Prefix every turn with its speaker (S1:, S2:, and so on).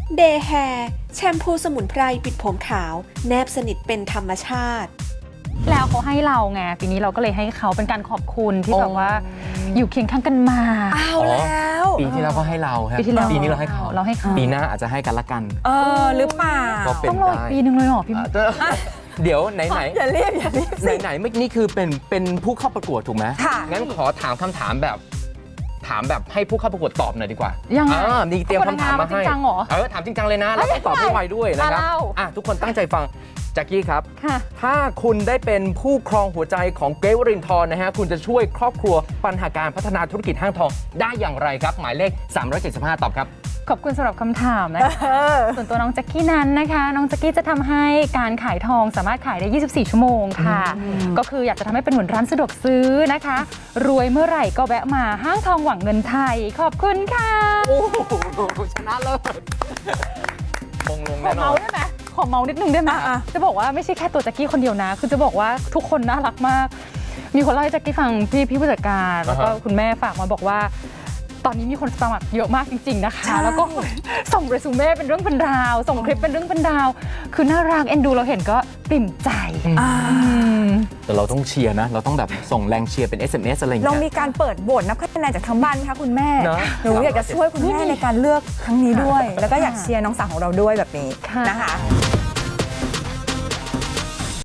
S1: เดย์แฮร์แชมพูสมุนไพรปิดผมขาวแนบสนิทเป็นธรรมชาติ
S2: แล้วเขาให้เราไงปีนี้เราก็เลยให้เขาเป็นการขอบคุณที่แบบว่าอยู่เคียงข้างกันมา
S3: เอาแล้ว
S4: ปีที่แล้วก็ให้เราครับ
S2: ปีที่แล้ว
S4: ปีนี้เราให้เขา
S2: เราให้เขา
S4: ปีหน้าอาจจะให้กันละกัน
S3: หรือเปล่า
S4: ก็เป็น
S2: ต้องรออีกปีนึงเลยเหรอพี่
S4: เดี๋ยวไหน
S3: อย่าเรียกสิ
S4: ไหนเมื่อกี้นี่คือเป็นผู้เข้าประกวดถูกไหม
S3: ค่ะ
S4: งั้นขอถามคำถามแบบให้ผู้เข้าประกวดตอบหน่อยดีกว่า
S2: ยังไง
S4: นี่เตรียมคำถามมาให้
S2: จริงจังเหรอ
S4: ถามจริงจังเลยนะแล้วต้องตอบให้ไวด้วยนะครับ
S2: เล่า
S4: ทุกคนตั้งใจฟังแจ็คกี้ครับ
S2: ค่ะ
S4: ถ้าคุณได้เป็นผู้ครองหัวใจของเกรทวรินทร์นะฮะคุณจะช่วยครอบครัวปัญหาการพัฒนาธุรกิจห้างทองได้อย่างไรครับ หมายเลข 375 ตอบครับ
S2: ขอบคุณสำหรับคำถามนะคะส่วนตัวน้องแจ็คกี้นั้นนะคะน้องแจ็คกี้จะทำให้การขายทองสามารถขายได้ 24 ชั่วโมงค่ะ ก็คืออยากจะทำให้เป็นเหมือนร้านสะดวกซื้อนะคะ รวยเมื่อไหร่ก็แวะมาห้างทองหวังเงินไทย ขอบคุณค่ะ
S4: โอ้โหชนะเลยมงลง
S2: ขอ
S4: แน่นอ
S2: เมาน ได้ไหมขอเมานิดนึงได้ไหมจะบอกว่าไม่ใช่แค่ตัวแจ็คกี้คนเดียวนะ คือจะบอกว่าทุกคนน่ารักมาก มีคนเล่าให้แจ็คกี้ฟังพี่ผู้จัดการแล้วก็คุณแม่ฝากมาบอกว่าตอนนี้มีคนสมัครเยอะมากจริงๆนะคะ แล้วก็ส่งเรซูเม่เป็นเรื่องเป็นราวส่งคลิปเป็นเรื่องเป็นราวคือน่ารักเอ็นดูเราเห็นก็ปริ่มใจ
S4: แต่เราต้องเชียร์นะ เราต้องแบบส่งแรงเชียร์เป็น SMS อะไรอย่าง
S3: เรา
S4: เงี้ย
S3: มีการเปิดโหวตนับคะแนนจากทั้งบ้านค่ะคุณแม่
S4: เนอะ
S3: หนูอยากจะช่วยคุณแม่ในการเลือกครั้งนี้ด้วย แล้วก็อยากเชียร์น้องสาวของเราด้วยแบบนี้
S2: ค่ะ
S3: นะคะ